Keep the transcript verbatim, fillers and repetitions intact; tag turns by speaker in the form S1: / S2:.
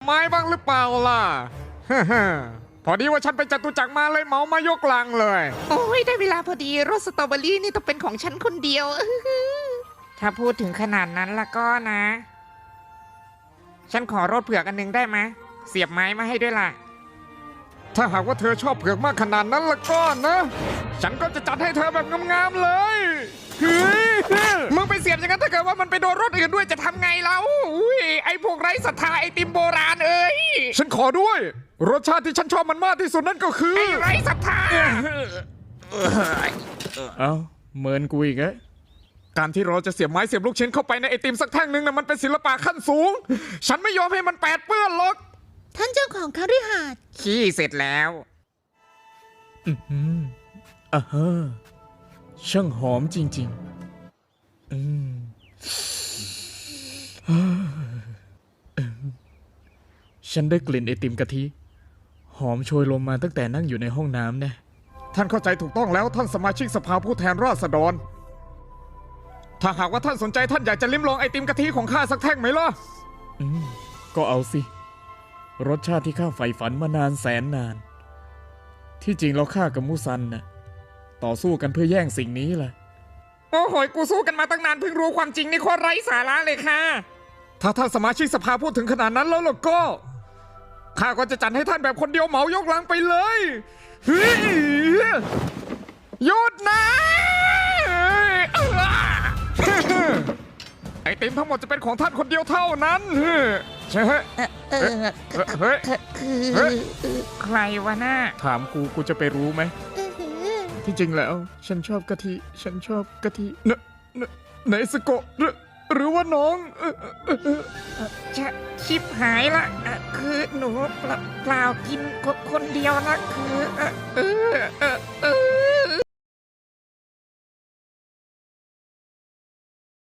S1: ไม้บ้างหรือเปล่าล่ะ พอดีว่าฉันไปจตุจักรมาเลยเหมามายกลังเลย
S2: โอ้ยได้เวลาพอดีรสสตรอเบอรี่นี่ต้องเป็นของฉันคนเดียว ถ้าพูดถึงขนาดนั้นละก็นะ ฉันขอรสเผือกอันหนึงได้ไหมเสียบไม้มาให้ด้วยล่ะ
S1: ถ้าหากว่าเธอชอบเผือกมากขนาดนั้นละก็นะ ฉันก็จะจัดให้เธอแบบงามๆเลยเฮ้ย
S2: มึงไปเสียบอย่างนั้นถ้าเกิดว่ามันไปโดนรถอื่นด้วยจะทำไงเราอุ้ยไอ้พวกไร้ศรัทธาไอติมโบราณเอ้ย
S1: ฉันขอด้วย รสชาติที่ฉันชอบมันมากที่สุดนั่นก็คือ
S2: ไอ้ไร้ศรัทธา
S1: เอ้าเหมือนกูอีกอะการที่เราจะเสียบไม้เสียบลูกชิ้นเข้าไปในไอติมสักแท่งหนึ่งนะมันเป็นศิลปะขั้นสูง ฉันไม่ยอมให้มันแปดเปื้อนหรอก
S3: ท่านเจ้าของคฤหาสน์
S2: ขี้เสร็จแล้ว
S1: อืมอ่าฮะช่างหอมจริงๆอืมฉันได้กลิ่นไอติมกะทิ หอมโชยลงมาตั้งแต่นั่งอยู่ในห้องน้ำแน่ท่านเข้าใจถูกต้องแล้วท่านสมาชิกสภาผู้แทนราษฎร ถ้าหากว่าท่านสนใจท่านอยากจะลิ้มลองไอติมกะทิของข้าสักแท่งไหมล่ะ อืม ก็เอาสิ รสชาติที่ข้าใฝ่ฝันมานานแสนนาน ที่จริงแล้วข้ากับมูซันน่ะต่อสู้กันเพื่อแย่งสิ่งนี้แหละ
S2: โอ้โหยกูสู้กันมาตั้งนานเพิ่งรู้ความจริงนี่โคตรไร้สาระเลยค่ะ
S1: ถ้าท่านสมาชิกสภาพูดถึงขนาดนั้นแล้วล่ะก็ข้าก็จะจัดให้ท่านแบบคนเดียวเหมายกลังไปเลยเฮ้ยหยุดนะ ไอติมทั้งหมดจะเป็นของท่านคนเดียวเท่านั้นใช่ไหม
S3: เออ
S1: เฮ้ย
S3: คือ
S1: เฮ้ย
S2: ใครวะน่า
S1: ถามกูกูจะไปรู้ไหม
S3: เออ
S1: ที่จริงแล้ว ฉันชอบกะทิ ฉันชอบกะทิเนเนเนสโกะหรือหรือว่าน้องเอ่อเอ่อเอ่อ
S2: จะชิบหายละอ่ะคือหนูเปล่าเปล่ากินคนเดียวนะคือเออเออ